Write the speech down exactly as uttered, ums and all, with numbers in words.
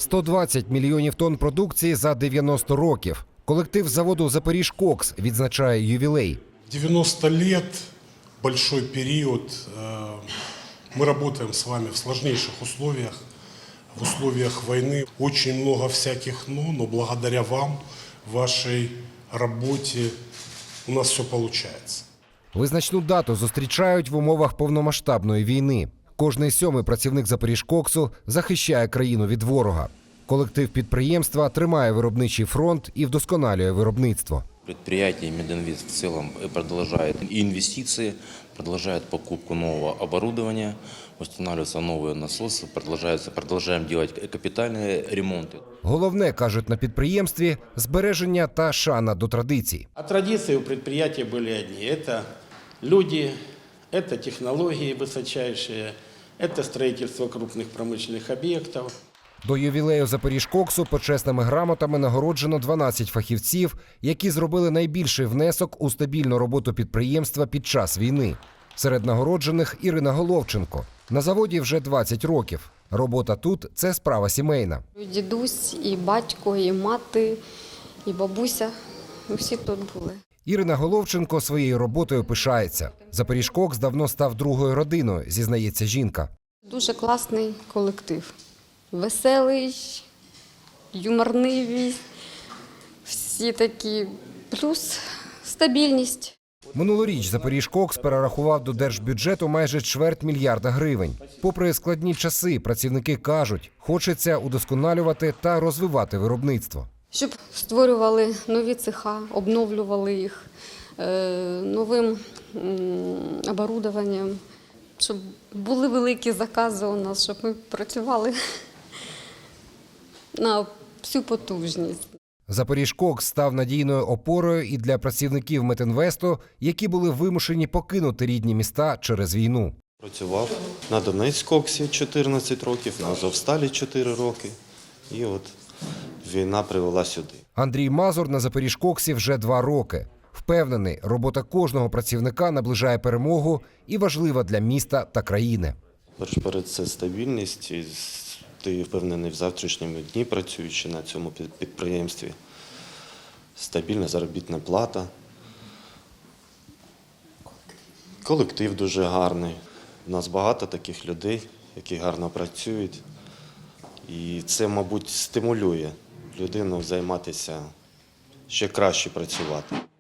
сто двадцять мільйонів тонн продукції за дев'яносто років. Колектив заводу «Запоріжкокс» відзначає ювілей. девяносто лет, большой период. Мы работаем с вами в сложнейших условиях, в условиях войны. Очень много всяких «но», но благодаря вам, вашей работе у нас все получается. Визначну дату зустрічають в умовах повномасштабної війни. Кожний сьомий працівник «Запоріжкоксу» захищає країну від ворога. Колектив підприємства тримає виробничий фронт і вдосконалює виробництво. Предприятие «Мединвест» в целом продолжает инвестиции, продолжает покупку нового оборудования, устанавливаются новые насосы, продолжается, продолжаем делать капитальные ремонты. Головне, кажуть на підприємстві, збереження та шана до традицій. А традиции у предприятия были одни. Это люди, это технологии высочайшие, это строительство крупных промышленных объектов. До ювілею «Запоріжкоксу» почесними грамотами нагороджено дванадцять фахівців, які зробили найбільший внесок у стабільну роботу підприємства під час війни. Серед нагороджених – Ірина Головченко. На заводі вже двадцять років. Робота тут – це справа сімейна. Дідусь, і батько, і мати, і бабуся – всі тут були. Ірина Головченко своєю роботою пишається. «Запоріжкокс» давно став другою родиною, зізнається жінка. Дуже класний колектив. Веселий, юморнивий, всі такі, плюс стабільність. Минулоріч «Запоріжкокс» перерахував до держбюджету майже чверть мільярда гривень. Попри складні часи, працівники кажуть, хочеться удосконалювати та розвивати виробництво. Щоб створювали нові цеха, обновлювали їх новим оборудованням, щоб були великі закази у нас, щоб ми працювали на всю потужність. «Запоріжкокс» став надійною опорою і для працівників «Метінвесту», які були вимушені покинути рідні міста через війну. Працював на Донецькоксі чотирнадцять років, на Азовсталі чотири роки. І от війна привела сюди. Андрій Мазур на «Запоріжкоксі» вже два роки. Впевнений, робота кожного працівника наближає перемогу і важлива для міста та країни. Перед це стабільність. І ти впевнений в завтрашньому дні, працюючи на цьому підприємстві. Стабільна заробітна плата. Колектив дуже гарний. У нас багато таких людей, які гарно працюють. І це, мабуть, стимулює людину займатися, ще краще працювати.